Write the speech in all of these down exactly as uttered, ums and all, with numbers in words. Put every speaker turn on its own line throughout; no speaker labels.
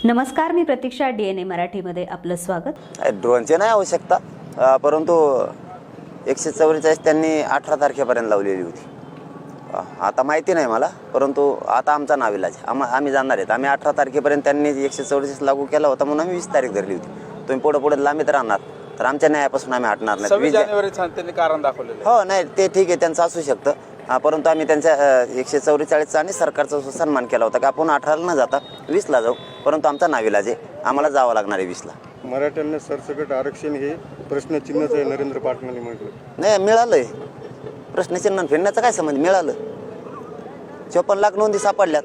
नमस्कार, मी प्रतीक्षा, D N A मराठीमध्ये आपलं स्वागत.
ड्रोनची नाही आवश्यकता, परंतु एकशे चौवेचाळीस त्यांनी अठरा तारखेपर्यंत लावलेली होती. आता माहिती नाही मला, परंतु आता आमचा नाविलाज आम आम्ही जाणार आहेत. आम्ही अठरा तारखेपर्यंत त्यांनी एकशे चौवेचाळीस लागू केला होता म्हणून आम्ही वीस तारीख धरली होती. तुम्ही पुढे पुढे लांबीत राहणार तर आमच्या न्यायापासून आम्ही हटणार नाही.
सव्वीस जानेवारी त्यांनी कारण दाखवलेलं.
हो, नाही ते ठीक आहे, त्यांचं असू शकतं. हा, परंतु आम्ही त्यांच्या एकशे चौवेचाळीसचा आणि सरकारचा सन्मान केला होता की आपण अठराला न जाता वीसला जाऊ, परंतु आमचा नाविलाज आहे, आम्हाला जावं लागणार आहे वीसला.
मराठ्यांना सरसकट आरक्षण हे प्रश्नचिन्हच आहे, नरेंद्र पाटलांनी म्हटलं.
नाही, मिळालंय. प्रश्नचिन्ह फिरण्याचं काय संबंध? मिळालं. चोपन्न लाख नोंदी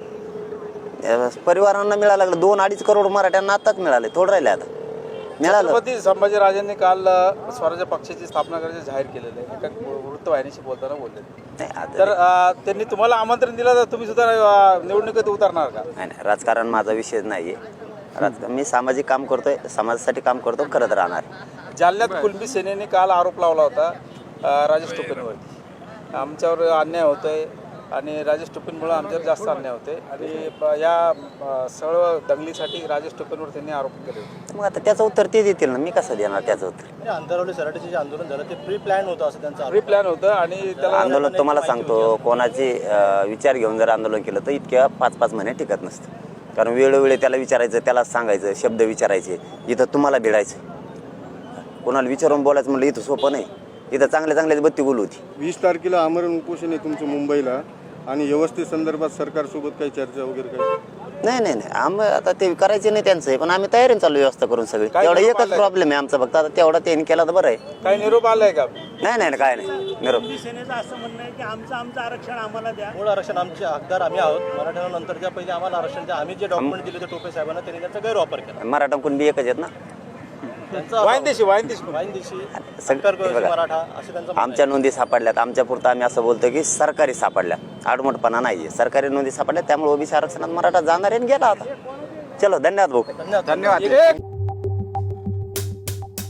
सापडल्यात, परिवारांना मिळायला लागलं. दोन अडीच करोड मराठ्यांना आताच मिळाले, थोडं राहिले आता. मिळालं.
छत्रपती संभाजीराजांनी काल स्वराज्य पक्षाची स्थापना करायचे जाहीर केलेलं आहे, एका वृत्तवाहिनीशी बोलताना बोलले. तर त्यांनी तुम्हाला आमंत्रण दिलं तर तुम्ही सुद्धा निवडणुकीत उतरणार का?
नाही नाही, राजकारण माझा विषय नाही आहे. राजकारण मी सामाजिक काम करतोय, समाजासाठी काम करतो, करत राहणार.
जालन्यात कुणबी सेनेने काल आरोप लावला होता राजेश टोपेंवरती, आमच्यावर अन्याय होतोय आणि राजेश टोपेंमुळे आमच्यावर जास्त अन्याय होते आणि या सर्व दंगलीसाठी राजेश टोपेंवर त्यांनी आरोप केले होते.
मग आता त्याचं उत्तर ते देतील ना, मी कसं देणार त्याचं उत्तर?
आंतरराष्ट्रीय सराटीचे जे आंदोलन झालं ते प्री प्लॅन होतं असं त्यांचं
प्री प्लॅन होतं आणि त्याला
आंदोलन तुम्हाला सांगतो, कोणाचे विचार घेऊन जर आंदोलन केलं तर इतक्या पाच पाच महिने टिकत नसतं. कारण वेळोवेळी त्याला विचारायचं, त्याला सांगायचं, शब्द विचारायचे. इथं तुम्हाला भिडायचं, कोणाला विचारून बोलायचं म्हणलं इथं सोपं नाही. इथं चांगल्या चांगल्याच बत्ती बोलू होती.
वीस तारखेला आमरण उपोषण आहे तुमचं मुंबईला, आणि व्यवस्थे संदर्भात सरकारसोबत काही चर्चा वगैरे काही?
नाही नाही नाही, आम्ही आता ते करायचे नाही त्यांचं, पण आम्ही तयारीने चालू व्यवस्था करून सगळी. तेवढा एकच प्रॉब्लेम आहे आमचा फक्त, आता तेवढा त्यांनी केला तर बरं आहे.
काही निरोप आलाय का?
नाही नाही काय नाही निरोप.
सेनेचं असं म्हणणं आहे की आमचं आमचं आरक्षण आम्हाला द्या.
मूळ आरक्षण आमचे हकदार आम्ही आहोत. मराठ्यांना नंतरच्या पहिले आम्हाला आरक्षण द्या. आम्ही जे डॉक्युमेंट दिले ते टोपे साहेबांना, त्यांनी त्याचा गैरवापर केला.
मराठा कुणबी एकच आहेत ना,
वाईनदेशी वाईनदेशी
वाईनदेशी
सगळं बघा.
मराठा असे त्यांचं
आमच्या नोंदी सापडल्यात, आमच्या पुरतं आम्ही असं बोलतो की सरकारी सापडल्या, आडमोठपणा नाहीये. सरकारी नोंदी सापडल्या, त्यामुळे ओबीसी आरक्षणात मराठा जाणार आहे. गेला आता. चलो, धन्यवाद भाऊ.
धन्यवाद.
धन्यवाद.